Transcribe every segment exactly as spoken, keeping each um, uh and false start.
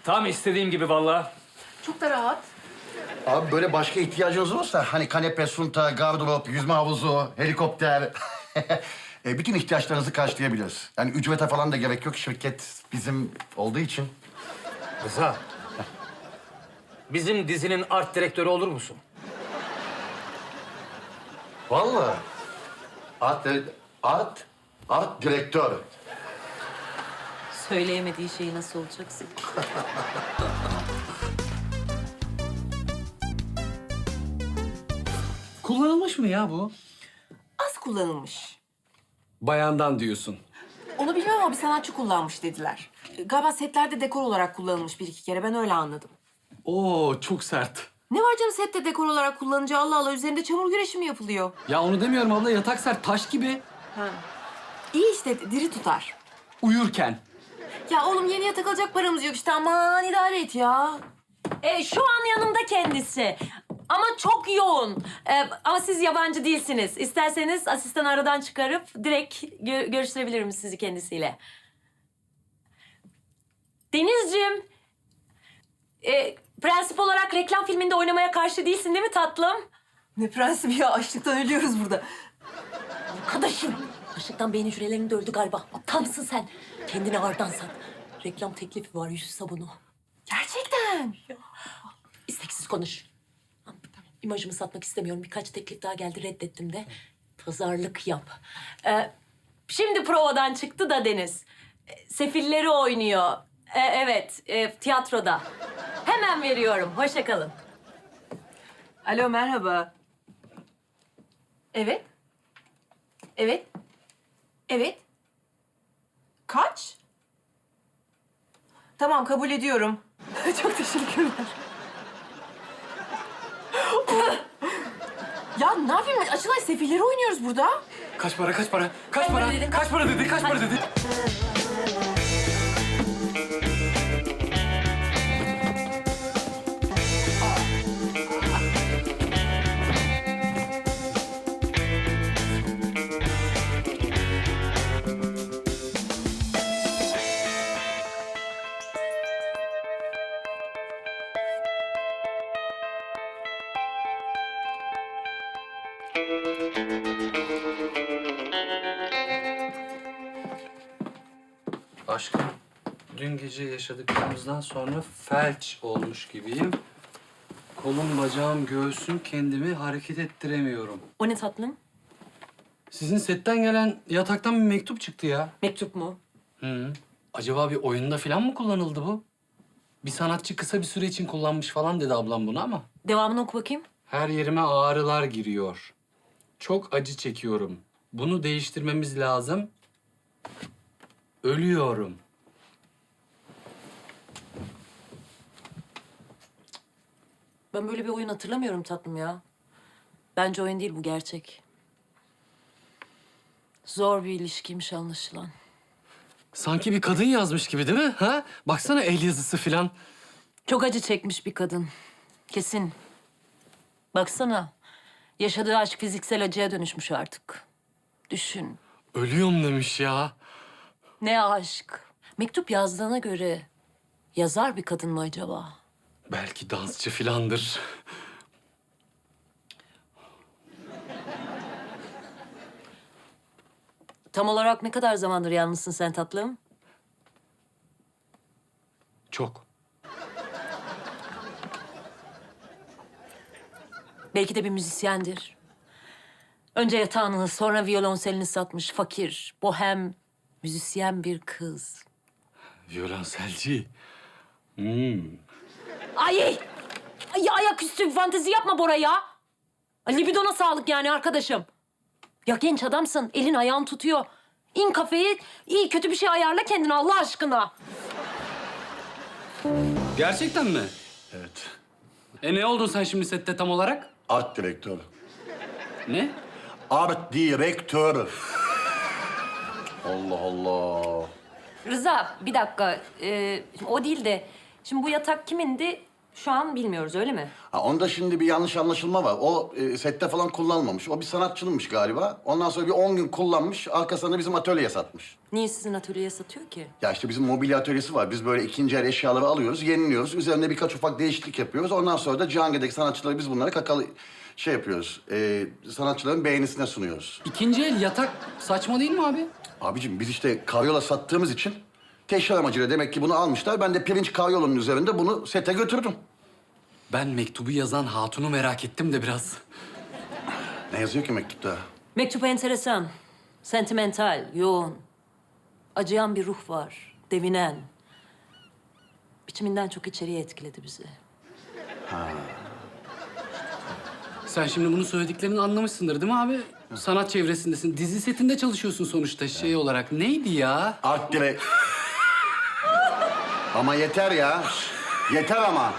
Tam istediğim gibi vallahi. Çok da rahat. Abi böyle başka ihtiyacınız olursa hani kanepe, sunta, gardırop, yüzme havuzu, helikopter... e, bütün ihtiyaçlarınızı karşılayabiliriz. Yani ücrete falan da gerek yok. Şirket bizim olduğu için. Rıza. Bizim dizinin art direktörü olur musun? Vallahi. Art, art, art direktör. Söyleyemediği şeyi nasıl olacaksın? Kullanılmış mı ya bu? Az kullanılmış. Bayandan diyorsun. Onu bilmiyorum ama bir sanatçı kullanmış dediler. Galiba setlerde dekor olarak kullanılmış bir iki kere. Ben öyle anladım. Oo çok sert. Ne var canım sette dekor olarak kullanınca Allah Allah üzerinde çamur güreşi mi yapılıyor? Ya onu demiyorum abla, yatak sert, taş gibi. Ha. İyi işte diri tutar. Uyurken. Ya oğlum yeniye takılacak paramız yok işte aman idare et ya. E, şu an yanımda kendisi. Ama çok yoğun. E, ama siz yabancı değilsiniz. İsterseniz asistan aradan çıkarıp direkt gö- görüştürebilirim sizi kendisiyle. Denizciğim, e, prensip olarak reklam filminde oynamaya karşı değilsin değil mi tatlım? Ne prensibi ya açlıktan ölüyoruz burada. Arkadaşım, açlıktan beyin hücrelerini de öldü galiba. Aptal mısın sen? Kendini ağırdan sat. Reklam teklifi var, yüz sabunu. Gerçekten. İsteksiz konuş. İmajımı satmak istemiyorum. Birkaç teklif daha geldi, reddettim de. Pazarlık yap. Ee, şimdi provadan çıktı da Deniz. Ee, Sefilleri oynuyor. Ee, evet, e, tiyatroda. Hemen veriyorum. Hoşça kalın. Alo merhaba. Evet. Evet. Evet. Kaç? Tamam kabul ediyorum. Çok teşekkürler. Ya ne yapayım? Açılay sefilleri oynuyoruz burada. Kaç para, kaç para? Kaç Kaç para? para dedin? Kaç para dedi, kaç para dedi? Aşkım, dün gece yaşadıklarımızdan sonra felç olmuş gibiyim. Kolum, bacağım, göğsüm, kendimi hareket ettiremiyorum. O ne tatlım? Sizin setten gelen yataktan bir mektup çıktı ya. Mektup mu? Hı. Acaba bir oyunda falan mı kullanıldı bu? Bir sanatçı kısa bir süre için kullanmış falan dedi ablam bunu ama. Devamını oku bakayım. Her yerime ağrılar giriyor. Çok acı çekiyorum. Bunu değiştirmemiz lazım. Ölüyorum. Ben böyle bir oyun hatırlamıyorum tatlım ya. Bence oyun değil bu, gerçek. Zor bir ilişkiymiş anlaşılan. Sanki bir kadın yazmış gibi değil mi? Ha? Baksana el yazısı falan. Çok acı çekmiş bir kadın. Kesin. Baksana. Yaşadığı aşk fiziksel acıya dönüşmüş artık. Düşün. Ölüyorum demiş ya. Ne aşk. Mektup yazdığına göre yazar bir kadın mı acaba? Belki dansçı filandır. Tam olarak ne kadar zamandır yalnızsın sen tatlım? Çok. Belki de bir müzisyendir. Önce yatağını, sonra violonselini satmış fakir, bohem, müzisyen bir kız. Violonselci. Hmm. Ay! Ay ayaküstü fantezi yapma Bora ya. Ay, libidona sağlık yani arkadaşım. Ya genç adamsın, elin ayağın tutuyor. İn kafeyi, iyi kötü bir şey ayarla kendine Allah aşkına. Gerçekten mi? Evet. E ne oldun sen şimdi sette tam olarak? Art direktör. Ne? Art direktör. Allah Allah. Rıza, bir dakika. Ee, o değil de, şimdi bu yatak kimindi? Şu an bilmiyoruz öyle mi? Ha, onda şimdi bir yanlış anlaşılma var. O e, sette falan kullanılmamış. O bir sanatçınınmış galiba. Ondan sonra bir on gün kullanmış. Arkasında bizim atölyeye satmış. Niye sizin atölyeye satıyor ki? Ya işte bizim mobilya atölyesi var. Biz böyle ikinci el eşyaları alıyoruz, yeniliyoruz. Üzerinde birkaç ufak değişiklik yapıyoruz. Ondan sonra da Cihangir'deki sanatçıları biz bunları kakalı şey yapıyoruz. E, sanatçıların beğenisine sunuyoruz. İkinci el yatak saçma değil mi abi? Abicim biz işte karyola sattığımız için teşhir amacıyla demek ki bunu almışlar. Ben de pirinç karyolunun üzerinde bunu sete götürdüm. Ben mektubu yazan hatunu merak ettim de biraz. Ne yazıyor ki mektupta? Mektup enteresan, sentimental, yoğun. Acıyan bir ruh var, devinen. Biçiminden çok içeriye etkiledi bizi. Sen şimdi bunu söylediklerini anlamışsındır değil mi abi? Sanat çevresindesin. Dizi setinde çalışıyorsun sonuçta şey olarak. Neydi ya? Art direkt. Ama yeter ya. Yeter ama.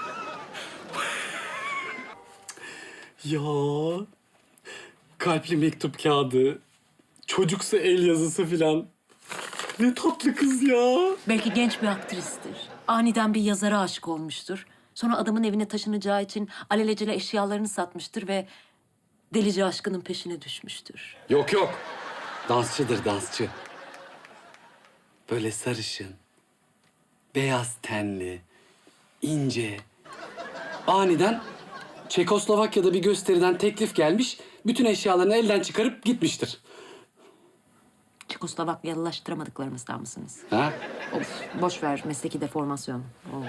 Ya kalpli mektup kağıdı, çocuksa el yazısı filan. Ne tatlı kız ya. Belki genç bir aktristir. Aniden bir yazara aşık olmuştur. Sonra adamın evine taşınacağı için alelacele eşyalarını satmıştır ve delice aşkının peşine düşmüştür. Yok yok. Dansçıdır dansçı. Böyle sarışın, beyaz tenli, ince. Aniden Çekoslovakya'da bir gösteriden teklif gelmiş. Bütün eşyalarını elden çıkarıp gitmiştir. Çekoslovakyalılaştıramadıklarımızdan mısınız? Ha? Of, boş ver mesleki deformasyon. Oo.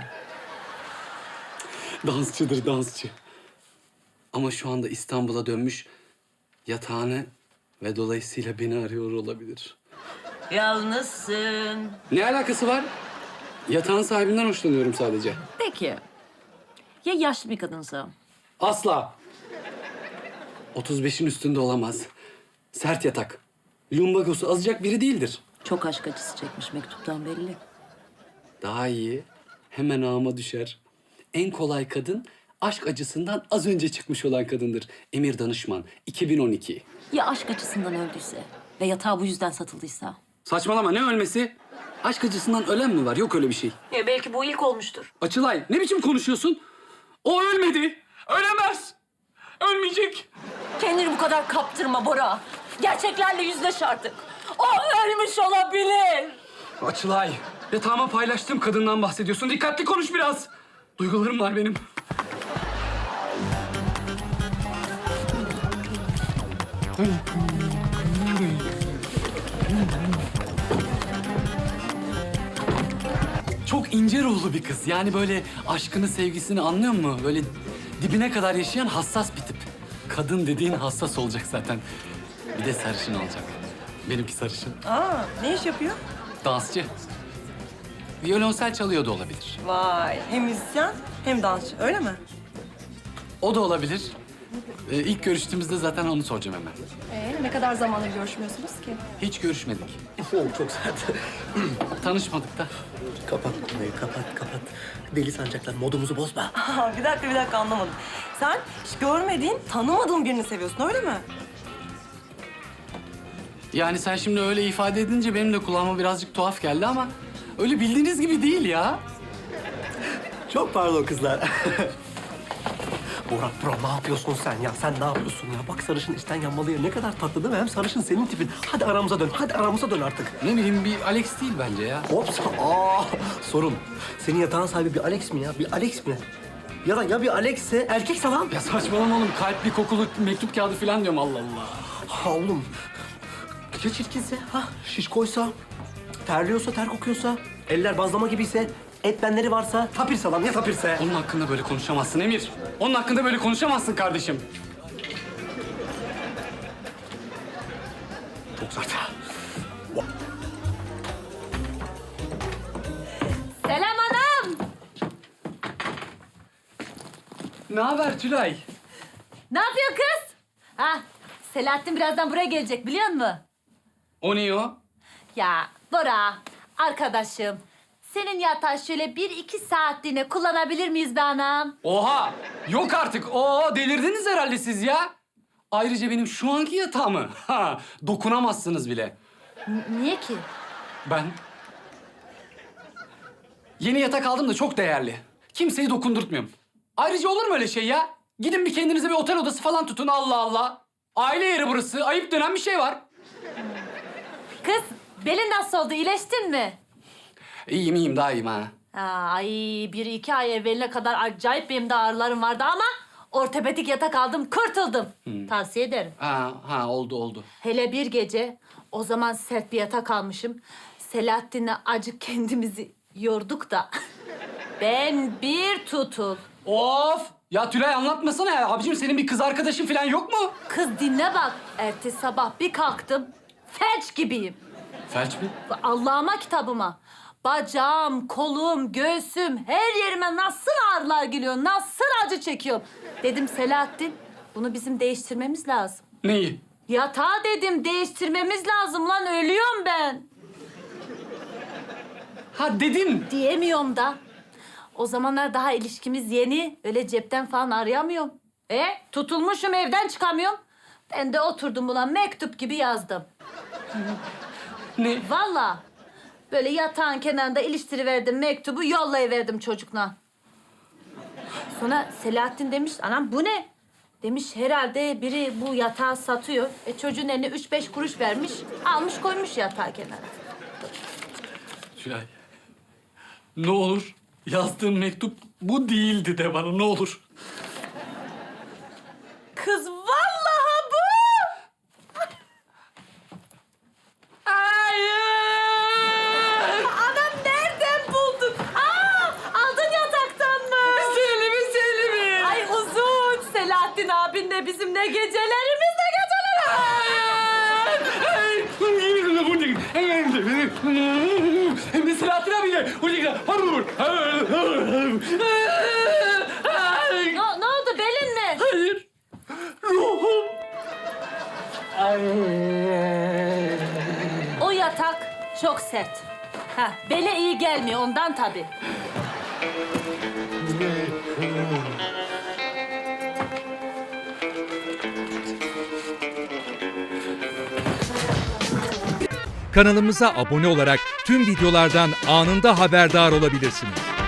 Dansçıdır dansçı. Ama şu anda İstanbul'a dönmüş yatağını ve dolayısıyla beni arıyor olabilir. Yalnızsın. Ne alakası var? Yatağın sahibinden hoşlanıyorum sadece. Peki. Ya yaşlı bir kadınsa? Asla. otuz beşin üstünde olamaz. Sert yatak. Lumbagosu azacak biri değildir. Çok aşk acısı çekmiş mektuptan belli. Daha iyi. Hemen ağıma düşer. En kolay kadın aşk acısından az önce çıkmış olan kadındır. Emir Danışman, iki bin on iki. Ya aşk acısından öldüyse ve yatağı bu yüzden satıldıysa? Saçmalama ne ölmesi? Aşk acısından ölen mi var? Yok öyle bir şey. Ya belki bu ilk olmuştur. Açılay ne biçim konuşuyorsun? O ölmedi. Ölemez. Ölmeyecek. Kendini bu kadar kaptırma Bora. Gerçeklerle yüzleş artık. O ölmüş olabilir. Açılay. Yatağıma paylaştığım kadından bahsediyorsun. Dikkatli konuş biraz. Duygularım var benim. Çok ince ruhlu bir kız. Yani böyle aşkını, sevgisini anlıyor musun? Böyle dibine kadar yaşayan hassas bir tip. Kadın dediğin hassas olacak zaten. Bir de sarışın olacak. Benimki sarışın. Aa, ne iş yapıyor? Dansçı. Violonsel çalıyor da olabilir. Vay, hem müzisyen hem dansçı, öyle mi? O da olabilir. Ee, ilk görüştüğümüzde zaten onu soracağım hemen. Ee, ne kadar zamandır görüşmüyorsunuz ki? Hiç görüşmedik. Oo, çok sert. Tanışmadık da. Kapat konuyu, kapat, kapat. Deli sancaklar, modumuzu bozma. Aa, bir dakika, bir dakika anlamadım. Sen hiç görmediğin, tanımadığın birini seviyorsun, öyle mi? Yani sen şimdi öyle ifade edince benim de kulağıma birazcık tuhaf geldi ama öyle bildiğiniz gibi değil ya. Çok pardon kızlar. Bora, bro ne yapıyorsun sen ya? Sen ne yapıyorsun ya? Bak sarışın içten yanmalıya ne kadar tatlı değil mi? Hem sarışın senin tipin. Hadi aramıza dön, hadi aramıza dön artık. Ne bileyim bir Alex değil bence ya. Hops, aa sorun. Senin yatağın sahibi bir Alex mi ya? Bir Alex mi? Ya da ya bir Alex'se erkekse lan. Ya saçmalama oğlum. Kalpli kokulu mektup kağıdı falan diyorum Allah Allah. Ha oğlum. Ya çirkinse, ha şişkoysa, terliyorsa, ter kokuyorsa, eller bazlama gibiyse, et benleri varsa, tapirse lan ya tapirse. Onun hakkında böyle konuşamazsın Emir. Onun hakkında böyle konuşamazsın kardeşim. Çok sert. Selam anam. Ne haber Tülay? Ne yapıyor kız? Ha, Selahattin birazdan buraya gelecek biliyor musun? O ne o? Ya Bora, arkadaşım. Senin yatağı şöyle bir iki saatliğine kullanabilir miyiz be anam? Oha! Yok artık. Oo delirdiniz herhalde siz ya. Ayrıca benim şu anki yatağımı ha, dokunamazsınız bile. N- niye ki? Ben yeni yatak aldım da çok değerli. Kimseyi dokundurtmuyorum. Ayrıca olur mu öyle şey ya? Gidin bir kendinize bir otel odası falan tutun, Allah Allah. Aile yeri burası. Ayıp denen bir şey var. Kız, belin nasıl oldu? İyileştin mi? İyiyim iyiyim, daha iyiyim ha. Ay, bir iki ay evveline kadar acayip benim de ağrılarım vardı ama ortopedik yatak aldım, kurtuldum. Tavsiye ederim. Ha, ha oldu oldu. Hele bir gece, o zaman sert bir yatak almışım. Selahattin'le acık kendimizi yorduk da. Ben bir tutul. Of! Ya Tülay anlatmasana ya. Abicim senin bir kız arkadaşın falan yok mu? Kız dinle bak. Ertesi sabah bir kalktım, felç gibiyim. Felç mi? Allah'ıma kitabıma. Bacağım, kolum, göğsüm, her yerime nasıl ağrılar geliyor, nasıl acı çekiyorum. Dedim Selahattin, bunu bizim değiştirmemiz lazım. Neyi? Yatağı dedim, değiştirmemiz lazım lan, ölüyorum ben. Ha dedin. Diyemiyorum da. O zamanlar daha ilişkimiz yeni, öyle cepten falan arayamıyorum. E, tutulmuşum, evden çıkamıyorum. Ben de oturdum ulan mektup gibi yazdım. Ne? Vallahi böyle yatağın kenarında iliştiriverdim mektubu, yollayıverdim çocukla. Sonra Selahattin demiş, anam bu ne? Demiş herhalde biri bu yatağı satıyor. E çocuğun eline üç beş kuruş vermiş, almış koymuş yatağı kenara. Tülay. Ne olur yazdığım mektup bu değildi de bana, ne olur. Kız vallahi bu! Hayır! Anam nereden buldun? Aa, aldın yataktan mı? Selimi Selimi! Ay uzun. Selahattin abinle bizim ne gecelerimiz ne geceler. Hem de Selahattin abiyle. Ne, ne oldu belin mi? Hayır. Ruhum. O yatak çok sert. Ha, bele iyi gelmiyor ondan tabii. Kanalımıza abone olarak tüm videolardan anında haberdar olabilirsiniz.